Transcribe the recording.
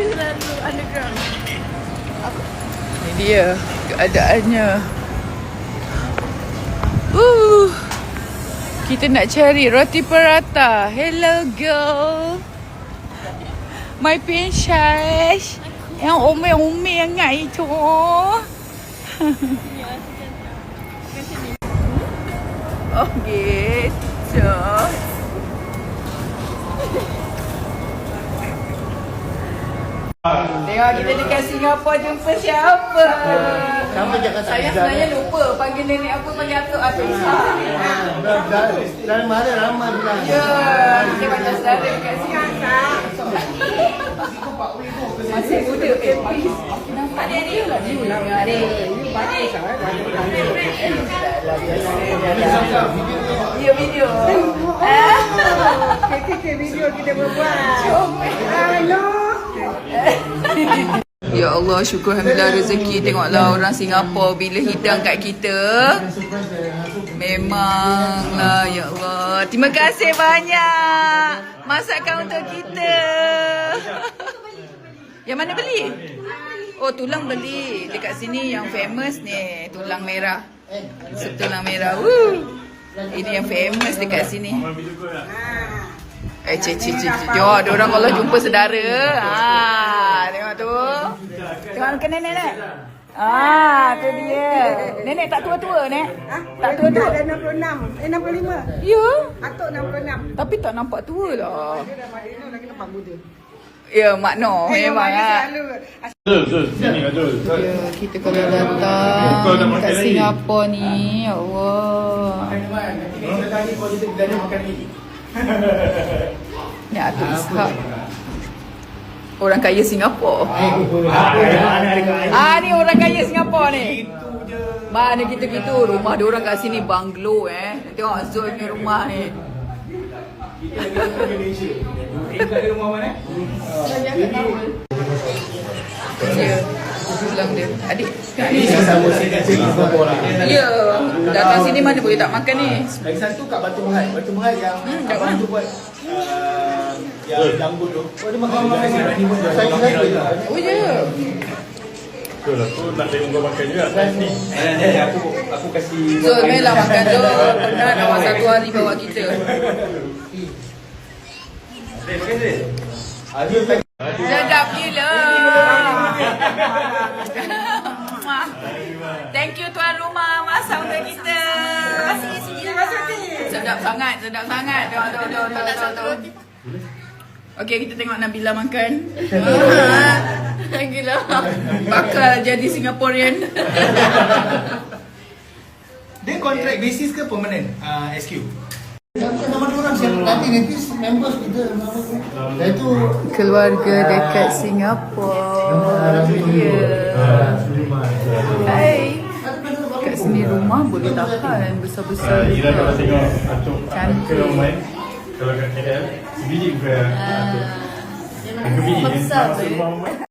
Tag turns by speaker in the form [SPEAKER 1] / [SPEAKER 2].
[SPEAKER 1] Selalu underground.
[SPEAKER 2] Ini dia keadaannya. Kita nak cari roti prata. Hello girl. My princess. Yang ome-ome yang ngai itu. Oh gitu. Tengok kita dekat Singapura jumpa siapa. Saya sebenarnya lupa panggil nenek apa, panggil atuk
[SPEAKER 3] Dalam mana ramai bilang.
[SPEAKER 2] Ya, kita macam saudara dekat Singapura. Masih muda. Nampak dia ni lah ni. Ya, video.
[SPEAKER 1] Video kita berbuat.
[SPEAKER 2] Ya Allah, syukur alhamdulillah rezeki. Tengoklah orang Singapura bila hidang kat kita. Memanglah, ya Allah. Terima kasih banyak masakan untuk kita. Yang mana beli? Oh, tulang beli. Dekat sini yang famous ni, tulang merah. Tulang merah. Ini yang famous dekat sini. Jom, ada orang kalau jumpa saudara. Tengok tu. Tengok ke nenek. Tu dia. Nenek tak tua-tua, Nek? Tak tua-tua.
[SPEAKER 1] Dah 66. 65.
[SPEAKER 2] Ya.
[SPEAKER 1] Atuk 66.
[SPEAKER 2] Tapi tak nampak tua lah.
[SPEAKER 1] Dia dah Madinah lagi nampak muda.
[SPEAKER 2] Ya, Mak Noh memang lah. Ya, kita kalau datang kat Singapura ni, ya Allah. Ni Atuk Ishak. Orang kaya Singapura. Ni orang kaya Singapura ni. Mana kita gitu. Rumah dia orang kat sini banglo Tengok Zul ni rumah ni. Ya, tulang dia. Adik. Ya, datang sini mana boleh tak makan ni.
[SPEAKER 3] Lagi satu kat Batu Berhad. Batu Berhad yang abang tu buat yang jambut tu. Oh, dia makan saya.
[SPEAKER 2] Oh ya.
[SPEAKER 4] Betul, aku nak tengok kau makan juga. Ni. Aku kasih
[SPEAKER 2] Zul, melah makan Zul. Pernah awak satu hari bawa kita. Sedap gila. Thank you tuan rumah masak untuk kita. Sedap sangat, sedap sangat. Tengok. Okey, kita tengok Nabila makan. Gila. Bakal jadi Singaporean.
[SPEAKER 3] Dia kontrak basis ke permanent SQ? Nama diorang siapa? Nanti members kita. Itu
[SPEAKER 2] Keluarga dekat Singapura. Hai. Kat sini rumah boleh tahan besar-besar.
[SPEAKER 4] Kira kalau tengok Atuk
[SPEAKER 2] Cantik.
[SPEAKER 4] kalau kat KL sebiji ke Atuk. Kebiji kan? Masuk rumah